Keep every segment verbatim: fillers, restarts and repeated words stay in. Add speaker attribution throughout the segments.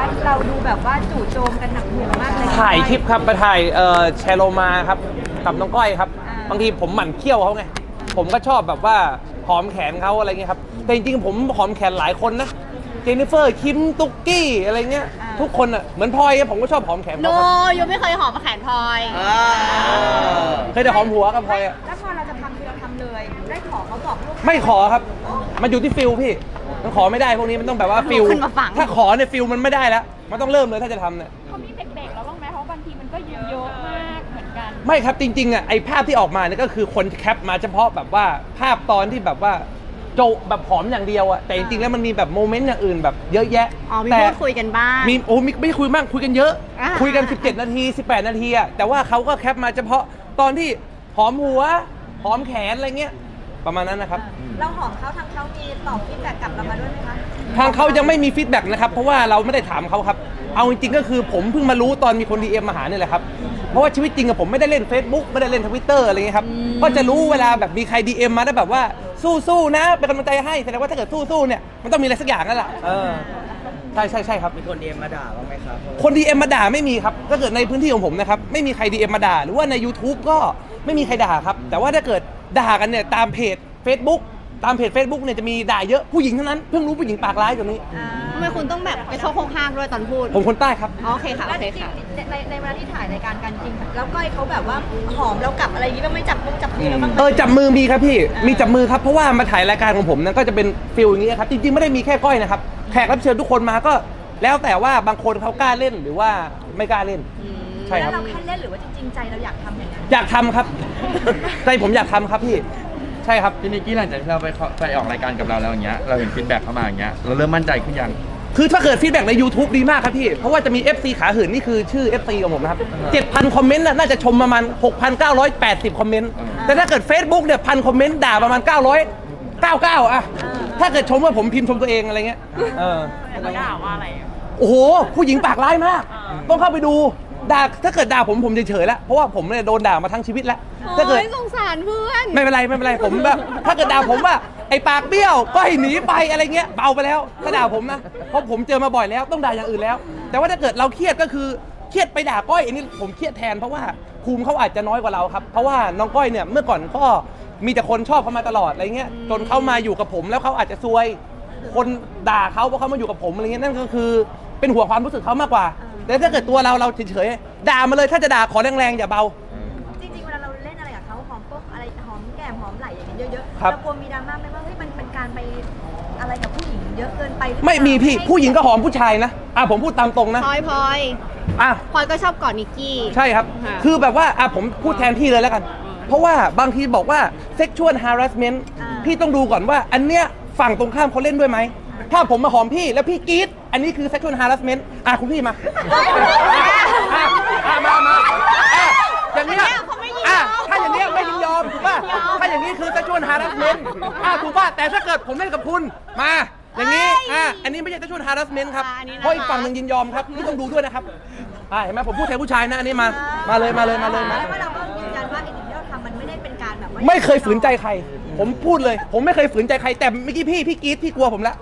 Speaker 1: เราดูแบบว่าจู่โจมกันหนักหน่วงมากเลย
Speaker 2: ถ่ายคลิปครับไปถ่ายเอ่อแชร์โลมาครับกับน้องก้อยครับบางทีผมหมั่นเคี้ยวเขาไงผมก็ชอบแบบว่าหอมแขนเขาอะไรเงี้ยครับแต่จริงๆผมหอมแขนหลายคนนะเจนนิเฟอร์คิมตุ๊กกี้อะไรเงี้ยทุกคนอ่ะเหมือนพลอยผมก็ชอบหอมแขน
Speaker 3: โน
Speaker 2: เขา
Speaker 3: ยูไม่เคยหอมแขนพลอย
Speaker 2: เคยแต่หอมหัวกับพลอยอ่ะ
Speaker 1: แล้วพอเราจะทำคือเราทำเลย ได้ขอเขาบอกลูก
Speaker 2: ไม่ขอครับมันอยู่ที่ฟิลพี่มันขอไม่ได้พวกนี้มันต้องแบบว่าฟิล
Speaker 3: ขึ้นมาฝัง
Speaker 2: ถ้าขอเนี่ยฟิลมันไม่ได้แล้วมันต้องเริ่มเลยถ้าจะทำเนี่ย
Speaker 4: เขามีเบรกๆแล้วบ้างไหมเพราะบางทีมันก็เยอะมากเหมือนกัน
Speaker 2: ไม่ครับจริงๆอ่ะไอภาพที่ออกมาเนี่ยก็คือคนแคปมาเฉพาะแบบว่าภาพตอนที่แบบว่าโจแบบหอมอย่างเดียวอ่ะแต่จริงๆแล้วมันมีแบบโมเมนต์อย่างอื่นแบบเยอะแยะ
Speaker 3: อ๋อมี
Speaker 2: แต่
Speaker 3: พูดคุยกันบ้าง
Speaker 2: มีโอ้มีไม่คุยมากคุยกันเยอะ
Speaker 3: อ่า
Speaker 2: คุยกันสิบเจ็ดนาทีสิบแปดนาทีอ่ะแต่ว่าเขาก็แคปมาเฉพาะตอนที่หอมหัวหอมแขนอะไรเงี้ยประมาณนั้นนะครับ
Speaker 1: เราหอมเขาทางเขามีตอบฟีดแบ็กกลับเรามาด้วยไหมคะ
Speaker 2: ทางเขายังไม่มีฟีดแบ็กนะครับเพราะว่าเราไม่ได้ถามเขาครับเอาจริงๆก็คือผมเพิ่งมารู้ตอนมีคน ดี เอ็ม มาหาเนี่ยแหละครับเพราะว่าชีวิตจริงอะผมไม่ได้เล่น Facebook ไม่ได้เล่น Twitter อะไรเงี้ยครับก็จะรู้เวลาแบบมีใคร ดี เอ็ม มาได้แบบว่าสู้ๆนะเป็นกำลังใจให้แสดงว่าถ้าเกิดสู้ๆเนี่ยมันต้องมีอะไรสักอย่างนั่นแหละเออใช่ใช่ใช่ครับ
Speaker 5: มีคนเอ็มมาด่าบ้างไหมครับ
Speaker 2: คน ดี เอ็ม มาด่าไม่มีครับถ้าเกิดในพื้นที่ของผมนะครับไม่มีใคร ดี เอ็ม มาด่าหรือว่าใน YouTube ก็ไม่มีใครด่าครับแต่ว่าถ้าเกิดด่ากันเนี่ยตามเพจ Facebook ตามเพจ Facebook เนี่ยจะมีด่าเยอะผู้หญิงเท่านั้นเพิ่งรู้ผู้หญิงปากร้ายแบบนี้
Speaker 3: ทำไมคุณต้องแบบไปโชว์โคงห้างด้วยตอนพูด
Speaker 2: ผมคนใต้ครับ
Speaker 3: อ๋อโอเคค่ะ โอ
Speaker 1: แล้ว
Speaker 3: เค
Speaker 1: จริง
Speaker 3: ค่ะ
Speaker 1: ๆในในเวลาที่ถ่ายรายการกันจริงค่ะแล้วก้อยเขาแบบว่าหอมเรากลับอะไรอย่างงี้บ้างไหม่จับมือจับมือเราบ้างไหม
Speaker 2: เออจับมือมีครับพี่มีจับมือครับเพราะว่ามาถ่ายรายการของผมนั้นก็จะเป็นฟิลอย่างนี้ครับจริงๆไม่ได้มีแค่ก้อยนะครับแขกรับเชิญทุกคนมาก็แล้วแต่ว่าบางคนเขากล้าเล่นหรือว่าไม่กล้าเล่นใช่ค
Speaker 1: แล้
Speaker 2: รั
Speaker 1: ว
Speaker 2: บ
Speaker 1: เราแค่เล่นหรือว่าจริงๆใจเราอยากทำอย่างนั้น
Speaker 2: อยากทำครับ ใจผมอยากทำครับพี่ใช่ครับ
Speaker 6: พี่นิกกี้หลังจากที่เราไปเข้าไปออกรายการกับเราแล้วอย่างเงี้ยเราเห็นฟีดแบ็กเข้ามาอย่างเงี้ยเราเริ่มมั่นใจขึ้นยัง
Speaker 2: คือถ้าเกิดฟีดแบ็กใน YouTube ดีมากครับพี่เพราะว่าจะมี เอฟ ซี ขาหื่นนี่คือชื่อ เอฟ ซี ของผมนะครับเจ็ดพันคอมเมนต์น่าจะชมประมาณ หกพันเก้าร้อยแปดสิบ คอมเมนต์แต่ถ้าเกิด Facebook เนี่ยพันคอมเมนต์ด่าประมาณเก้าร้อยเก้าสิบเก้าอะถ้าเกิดชมว่าผมพิมพ์ชมตัวเองอะไรเงี้ยเออ
Speaker 4: เขาด่าว่าอะไรอะ
Speaker 2: โอ้โห ผู้หญิงปากร้ายมาก ต้องเข้าไปดู ด่า ถ้าเกิดด่าผมผมเฉยๆแล้ว เพราะว่าผมเนี่ยโดนด่ามาทั้งชีวิตแล้ว ถ้าเกิด
Speaker 3: โอ้ยสงสารเพื่อน
Speaker 2: ไม่เป็นไรไม่เป็นไร ผมแบบ ถ้าเกิดด่าผมว่าไอ้ปากเบี้ยวก็ให้หนีไปอะไรเงี้ยเบาไปแล้ว ถ้าด่าผมนะ เพราะผมเจอมาบ่อยแล้ว ต้องด่าอย่างอื่นแล้ว แต่ว่าถ้าเกิดเราเครียดก็คือ เครียดไปด่าก้อยอันนี้ผมเครียดแทนเพราะว่าภูมิเขาอาจจะน้อยกว่าเราครับ เพราะว่าน้องก้อยเนี่ยเมื่อก่อนก็มีแต่คนชอบเขามาตลอดอะไรเงี้ย จนเขามาอยู่กับผมแล้วเขาอาจจะซวย คนด่าเขาเพราะเขามาอยู่กับผมอะไรเงี้ยนั่นก็คือเป็นห่วงความรู้สึกเขามากกว่า แต่ถ้าเกิดตัวเราเราเฉยๆด่ามาเลยถ้าจะด่าขอแรงๆอย่าเบา
Speaker 1: จริงๆเวลาเราเล่นอะไรกับเขาหอมปุ๊บอะไรหอมแก้มหอมไหล่อย่างเงี้ยเยอะๆ
Speaker 2: ครับ
Speaker 1: เรากลัวมีดราม่าไหมว่าเฮ้ยมันเป็นการไปอะไรกับผู้หญิงเยอะเกินไปหรือเปล่า
Speaker 2: ไม่มีพี่
Speaker 1: ให้
Speaker 2: ผู้หญิงก็หอมผู้ชายนะอ่ะผมพูดตามตรงนะ
Speaker 3: พลอยพลอย
Speaker 2: อ่ะ
Speaker 3: พลอยก็ชอบกอดนิกกี้
Speaker 2: ใช่ครับ
Speaker 3: ค่ะ
Speaker 2: คือแบบว่าอ่ะผมพูดแทนพี่เลยแล้วกัน เพราะว่าบางทีบอกว่า sexual harassment พี่ต้องดูก่อนว่าอันเนี้ยฝั่งตรงข้ามเขาเล่นด้วยไหมถ้าผมมาหอมพี่แล้วพี่กรี๊ดอันนี้คือ sexual harassment อ่ะคุณพี่มาอ่ะอ่ะอ่ะมามาอ่ะอย่างเนี้ย
Speaker 3: อันเนี้ยเขาไม่ยินยอม
Speaker 2: อ่ะถ้าอย่างเนี้ยไม่ยินยอมถูกป่ะถ้าอย่างนี้คือ sexual harassment อ่ะถูกป่ะแต่ถ้าเกิดผมเล่นกับคุณมาอย่างนี้อ่ะอันนี้ไม่ใช่ sexual harassment ครับ
Speaker 3: อ่ะอันนี้นะคะ
Speaker 2: เพราะอีกฝั่งหนึ่งยินยอมครับนี่ต้องดูด้วยนะครับอ่ะเห็นไหมผมพูดแทนผู้ชายนะอันนี้มามาเลยมาเลยมาเลยมา
Speaker 1: แล้วว่าเราก็ยืนยันว่าไอ้สิ่งที่เราทำมันไม่ได้เป็นการแบบว่า
Speaker 2: ไม่เคยฝืนใจใคร ผมพูดเลย ผมไม่เคยฝืนใจใคร แต่เมื่อกี้พี่พี่กรี๊ดพี่กลัวผมละ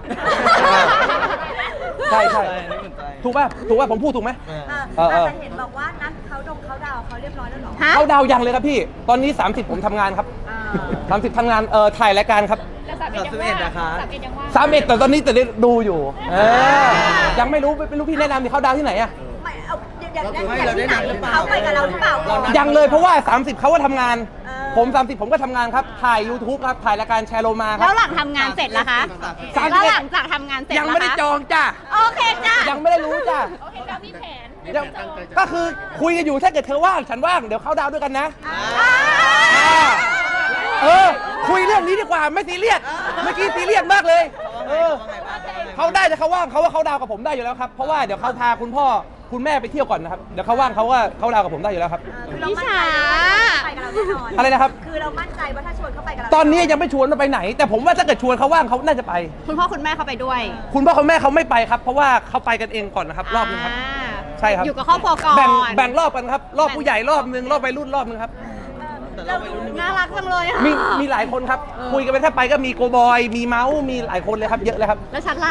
Speaker 2: ใช่ใช่ถูกป่ะถูกป่ะผมพูดถูกไหม
Speaker 1: เออ
Speaker 2: เออเออ
Speaker 1: แต่เห็นบอกว่านัดเขาดงเขาดาวเขาเรียบร้อยแล้วเหรอ
Speaker 3: ฮะ
Speaker 2: เขาดาวยังเลยครับพี่ ตอนนี้ สามสิบ ผมทำงานครับ
Speaker 1: อ่า
Speaker 2: สามสิบทำงานเอ่อถ่ายรายการครับ
Speaker 4: แล้วสามเอ็ดยัง
Speaker 5: สามสิบเอ็
Speaker 4: ว่า
Speaker 5: ดนะคะ
Speaker 4: สามเอ็ดยังว่า
Speaker 2: สามเอ็ดแต่ตอนนี้แต่ได้ดูอยู่เออยังไม่รู้ไม่รู้พี่แนะนำดิเขาดาวที่ไหนอะ
Speaker 1: ไม่เอาเดี๋ยว
Speaker 5: เรา
Speaker 1: เดี๋ยว
Speaker 5: ให้
Speaker 1: เดี๋ยว
Speaker 5: เราได้
Speaker 1: ที่ไหน
Speaker 5: หนังหรือเปล่า
Speaker 1: เขาไปกับเราหรือเปล่าก่อน
Speaker 2: ยังเลยเพราะว่า สามสิบเขาก็ทำงาน
Speaker 1: เออ
Speaker 2: ผม สามสิบ ผมก็ทำงานครับ ถ่าย YouTube ครับ ถ่ายรายการแชร์โลมาค
Speaker 3: แล้
Speaker 2: รั
Speaker 3: วหลังทำงานเสร็จล่ะคะ
Speaker 2: สามสิบ
Speaker 3: แล้ว
Speaker 2: เอ็ด
Speaker 3: หลังจากทำงานเสร็จ
Speaker 2: ยังไม่ได้
Speaker 3: ล่ะคะ
Speaker 2: จองจ้ะ
Speaker 3: โอเคจ้ะ
Speaker 2: ยังไม่ได้รู้จ้ะ
Speaker 4: โอเคเรามีแผน
Speaker 2: ยังก็คือคุยกันอยู่ถ้าเกิดเธอว่างฉันว่างเดี๋ยวเข้าดาวด้วยกันนะ
Speaker 3: อ่า
Speaker 2: เออคุยเรื่องนี้ดีกว่าไม่ซีเรียสเมื่อกี้ซีเรียสมากเลยเออเขาได้แต่เขาว่างเขาว่าเขาดาวกับผมได้อยู่แล้วครับเพราะว่าเดี๋ยวเขาพาคุณพ่อคุณแม่ไปเที่ยวก่อนนะครับเดี๋ยวเขาว่างเขาว่าเขาดาวกับผมได้อยู่แล้วครับ
Speaker 1: เออคือเรามั่นใจว่าเขาไปกับเราแน่นอน
Speaker 2: อะไรนะครับ
Speaker 1: คือเรามั่นใจว่าถ้าชวนเขาไปกับเรา
Speaker 2: ตอนนี้ยังไม่ชวนว่าไปไหน แต่ผมว่าถ้าเกิดชวนเขาว่างเขาน่าจะไป
Speaker 3: คุณพ่อคุณแม่เขาไปด้วย
Speaker 2: คุณพ่อคุณแม่เขาไม่ไปครับ เพราะว่าเขาไปกันเองก่อนนะครับรอบนึงครับ
Speaker 3: อ่า
Speaker 2: ใช่ครับ
Speaker 3: อยู่กับครอบครัวก่อน
Speaker 2: แบ่งแบ่งรอบกันครับรอบผู้ใหญ่รอบนึงรอบวัยรุ่นรอบนึงครับ
Speaker 1: เราดู
Speaker 3: น่ารักจังเลยอะ
Speaker 2: มีมีหลายคนครับ คุยกันไปถ้าไปก็มีโกบอย มีเมาส์มีหลายคนเลยครับ เยอะเลยครับ
Speaker 3: แล้วชัดล่ะ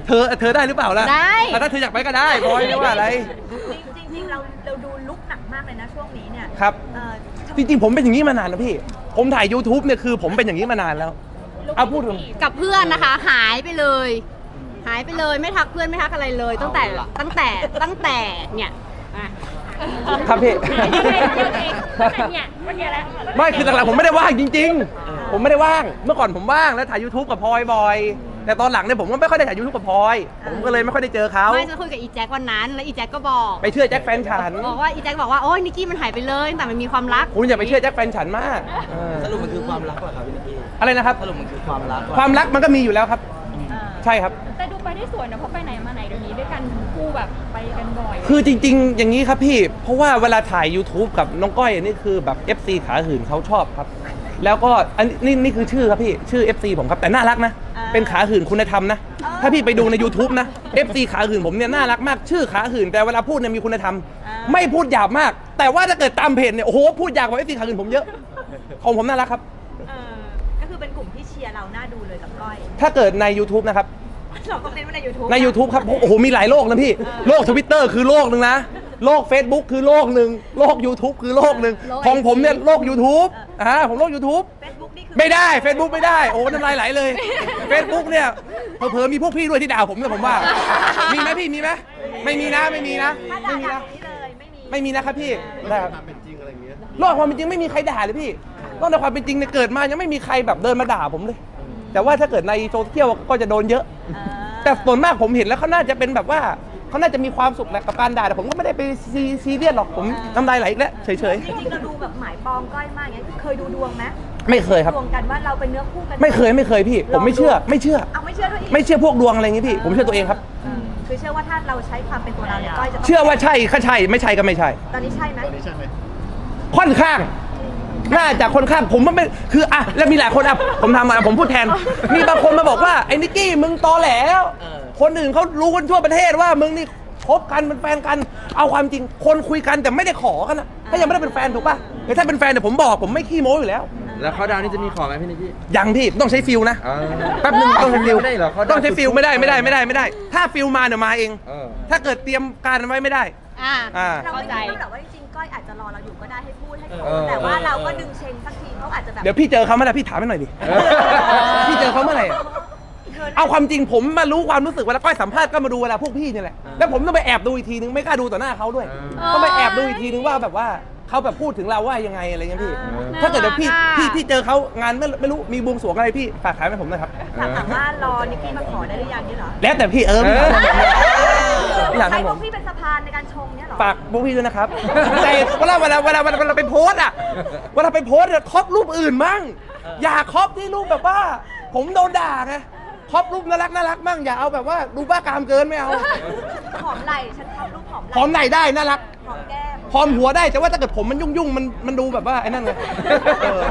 Speaker 2: เธอเธอได้หรือเปล่าล่ะ
Speaker 3: ได้
Speaker 2: อ่ะถ้าเธออยากไปก็ได้บอยไม่ว่าอะไร
Speaker 1: จริงๆจริงๆเราเราดูลุกหนักมากเลยนะช่วงนี้เนี่ย
Speaker 2: ครับ
Speaker 1: เอ่อ
Speaker 2: จริงๆผมเป็นอย่างนี้มานานแล้วพี่ ผมถ่าย YouTube เนี่ยคือผมเป็นอย่างนี้มานานแล้วเอาพูดตรง
Speaker 3: กับเพื่อนนะคะ หายไปเลย หายไปเลยไม่ทักเพื่อนไม่ทักอะไรเลย ตั้งแต่ตั้งแต่ตั้งแต่เนี่ยอ่ะ
Speaker 2: ครับพี่
Speaker 4: เนี่ยวันนี้แหละ
Speaker 2: ไม่คือหลังๆผมไม่ได้ว่างจริง ๆ ผมไม่ได้ว่างเมื่อก่อนผมว่างแล้วถ่าย YouTube กับพลอยบ่อยแต่ตอนหลังเนี่ยผมก็ไม่ค่อยได้ถ่าย YouTube กับพลอยผมก็เลยไม่ค่อยได้เจอเขา
Speaker 3: ไม่จะคุยกับอีแจ็ควันนั้น แล้วอีแจ็คก็บอก
Speaker 2: ไปเชื่อแจ็คแฟนฉัน
Speaker 3: บอกว่าอีแจ็คบอกว่าโอ้ยนิกกี้มันหายไปเลยตั้งแต่มันมีความรัก
Speaker 2: คุณอย่าไปเชื่อแจ็คแฟนฉันมากเออ
Speaker 5: สรุปมันคือความรักเหรอครับพี่นิกกี้
Speaker 2: อะไรนะครับ
Speaker 5: สรุปมันคือความรักเหรอ
Speaker 2: ความรักมันก็มีอยู่แล้วครับ
Speaker 1: เอ่อ
Speaker 2: ใช่ครับ
Speaker 4: แต่ดูไปได้สวยนะเพราะไปไหนมาไหนเดี๋ยวนี้ด้วยกันคู่แบบไปกันบ่อย
Speaker 2: คือจริง ๆ อย่างนี้ครับพี่ เพราะว่าเวลาถ่าย YouTube กับน้องก้อยนี่คือแบบ เอฟ ซี ขาหื่นเขาชอบครับ แล้วก็อันนี้นี่คือชื่อครับพี่ ชื่อ เอฟ ซี ผมครับ แต่น่ารักนะ เป็นขาหื่นคุณธรรมนะ ถ้าพี่ไปดูใน YouTube นะ เอฟ ซี ขาหื่นผมเนี่ยน่ารักมาก ชื่อขาหื่นแต่เวลาพูดเนี่ยมีคุณธรรม ไม่พูดหยาบมาก แต่ว่าถ้าเกิดตามเพจเนี่ย โอ้โห พูดหยาบกว่า เอฟ ซี ขาหื่นผมเยอะ ของผมน่ารักครับ
Speaker 1: เออก็คือเป็นกลุ่มที่เชียร์เราหน้าดูเลยกับก้อย
Speaker 2: ถ้าเกิดใน YouTube นะครับ
Speaker 1: เราก็เน้นว่าใน YouTube
Speaker 2: ใน YouTube ครับ โอ้โห มีหลายโลกนะพี่ โลก Twitter คือโลกหนึ่งนะ โลก Facebook คือโลกหนึ่ง โลก YouTube คือโลกหนึ่ง
Speaker 3: โลก
Speaker 2: ของผมเนี่ยโลก YouTube อ่าผมโลก YouTube
Speaker 1: Facebook นี่คือ
Speaker 2: ไม่ได้ Facebook ไม่ได้ โอ้น้ำลายไหลเลย Facebook เนี่ยเผลอๆมีพวกพี่ด้วยที่ด่าผมนะผมว่า มีไหมพี่ มีไหมไม่มีนะ ไม่มีนะ
Speaker 1: ถ้าด่า
Speaker 2: ไม่มี
Speaker 1: ด่า
Speaker 2: นะ
Speaker 1: ตรงนี้เลยไม่มี
Speaker 2: ไม่มีนะครับพี่นะครับโลกความเป็นจริงไม่มีใครด่าเลยพี่โลกในความเป็นจริงเนี่ยเกิดมายังไม่มีใครแบบเดินมาด่าผมเลย แต่ว่าถ้าเกิดในโซเชียลก็จะโดนเยอะ
Speaker 1: เออ
Speaker 2: แต่ส่วนมากผมเห็นแล้วเขาน่าจะเป็นแบบว่าเขาน่าจะมีความสุขแหละกับการด่าแต่ผมก็ไม่ได้ไปซีซีเรียสหรอกผมน้ำลายไหลอีกแล้วเฉย
Speaker 1: จริงๆเราดูแบบหมายปองก้อยมากอย่างเงี้ยเคยดูดวงไหม
Speaker 2: ๆไม่เคยครับ
Speaker 1: ดวงกันว่าเราเป็นเนื้อคู่กัน
Speaker 2: ไม่เคยไม่เคยพี่ ผมไม่เชื่อ ไม่เชื่อ
Speaker 1: เอาไม่เชื่อด้วยอีก
Speaker 2: ไม่เชื่อพวกดวงอะไรอย่างงี้พี่ ผมเชื่อตัวเองครับ
Speaker 1: อืมคือเชื่อว่าถ้าเราใช้ความเป็นตัวเราเนี่ยก้อยจะต้อง
Speaker 2: เชื่อว่าใช่ก็ใช่ไม่ใช่ก็ไม่ใช่
Speaker 1: ตอนนี้ใช่ไหม
Speaker 2: ค่อนข้าง น่าจะค่อนข้างผมว่าไม่คืออ่ะแล้วมีหลายคนอ่ะผมทำมาผมพูดแทน มีบางคนมาบอกว่าไอ้นิกกี้มึงตอแหลแล้วคนอื่นเขารู้กันทั่วประเทศว่ามึงนี่คบกันเป็นแฟนกันเอาความจริงคนคุยกันแต่ไม่ได้ขอกันนะถ้ายังไม่ได้เป็นแฟนถูกป่ะแต่ถ้าเป็นแฟนเนี่ยผมบอกผมไม่ขี้โม้อยู่แล้ว
Speaker 6: แล้วเขาดาวนี่จะมีขอไหมพี่นิกกี้
Speaker 2: ยังพี่ต้องใช้ฟิลนะ
Speaker 6: อ่า
Speaker 2: แป๊บนึงต้องใช้ฟิล
Speaker 6: ไม่ได้เหรอเขา
Speaker 2: ต้องใช้ฟิลไม่ได้ไม่ได้ไม่ได้ไม่ได้ ถ้าฟิลมาเนี่ยมาเอง
Speaker 6: เออ
Speaker 2: ถ้าเกิดเตรียมการไว้ไม่ได้
Speaker 3: อ่า
Speaker 2: อ่า
Speaker 1: เรา
Speaker 3: เข้า
Speaker 1: ไม่
Speaker 3: ใจ
Speaker 1: คิดหรอกว่าจริงๆก้อยอาจจะรอเราอยู่ก็ได้ให้พูดให้
Speaker 6: เออ
Speaker 1: แต่ว่าเราก็ดึงเชงสักทีเขาอาจจะแบบ
Speaker 2: เดี๋ยวพี่เจอเขาเมื่อไหร่พี่ถามให้หน่อยดิ
Speaker 6: เออ
Speaker 2: พี่เจอเขาเมื่อไหร่อะ
Speaker 1: เธอ
Speaker 2: เอาความจริงผมมารู้ความรู้สึกเวลาก้อยสัมภาษณ์ก็มาดูเวลาพวกพี่นี่แหละ แล้วผมต้องไปแอบดูอีกทีนึงไม่กล้าดูต่อหน้าเขาด้วย
Speaker 6: เออ
Speaker 2: ต้องไปแอบดูอีกทีนึงว่าแบบว่าเขาแบบพูดถึงเราว่ายังไงอะไรเงี้ยพี่
Speaker 6: เออ
Speaker 2: ถ้าเกิดเดี๋ยวพี่
Speaker 3: น่ารักอะ
Speaker 2: พี่พี่เจอเขางานไม่ไม่รู้มีบวงสรวงอะไรพี่ฝากขายให้ผมหน่อยครับ
Speaker 1: ถามถามว่ารอนิกกี้มาขอได้หรือยังนี่เหรอ
Speaker 2: แล้วแต่พี่เออพี่ถามพี่ถาม
Speaker 1: ใช้
Speaker 2: ให้
Speaker 1: พ
Speaker 2: ผ
Speaker 1: วก
Speaker 2: ม
Speaker 1: พี่เป็นสะพานในการชงเนี่ยเหรอ
Speaker 2: ฝากพวกพี่ด้วยนะครับ แต่เวลาเวลาเวลาเวลาเวลาไปโพสต์อะเวลาไปโพสต์เนี่ยครอบรูปอื่นมั่งอย่าครอบที่รูปแบบว่า ผมโดนด่าไงครอบรูปน่ารักน่ารักมั่งอย่าเอาแบบว่าดูบ้ากามเกินไม่เอา
Speaker 1: หอมไหล่ฉันชอบรูปหอมไหล่
Speaker 2: หอมไหนได้น่ารัก
Speaker 1: หอมแก้ม
Speaker 2: หอมหัวได้แต่ว่าถ้าเกิดผมมันยุ่งยุ่งๆมันมันดูแบบว่าไอ้นั่นไงเออ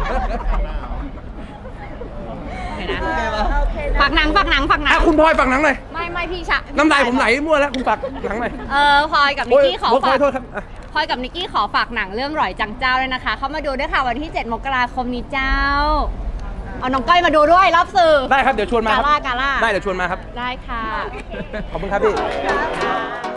Speaker 3: เห็นนะ
Speaker 1: โอเคนะ
Speaker 3: ฝากหนังฝากหนังฝากหนั
Speaker 2: อ่ะ
Speaker 3: ง
Speaker 2: คุณพลอยฝากหนังหน่อย
Speaker 3: ไม่ไม่พี่ชะ
Speaker 2: น้ำลายผมไหลมั่วแล้วคุณฝากหนังหน่อย
Speaker 3: เออพลอยกับนิกกี้ขอ
Speaker 2: โย
Speaker 3: ฝาก
Speaker 2: โทษครับอ่ะ
Speaker 3: พลอยกับนิกกี้ขอฝากหนังเรื่องหร่อยจังเจ้าด้วยนะคะ เข้ามาดูด้วยค่ะวันที่เจ็ดมกราคมนี้เจ้า เอาน้องก้อยมาดูด้วยรอบสื่อ
Speaker 2: ได้ครับเดี๋ยวชวนมาค
Speaker 3: กา
Speaker 2: รับ
Speaker 3: ล่ากาล่า
Speaker 2: ได้เดี๋ยวชวนมาครับ
Speaker 3: ได้ค่ะ
Speaker 2: ขอบคุณครับพี่
Speaker 3: ค่ะ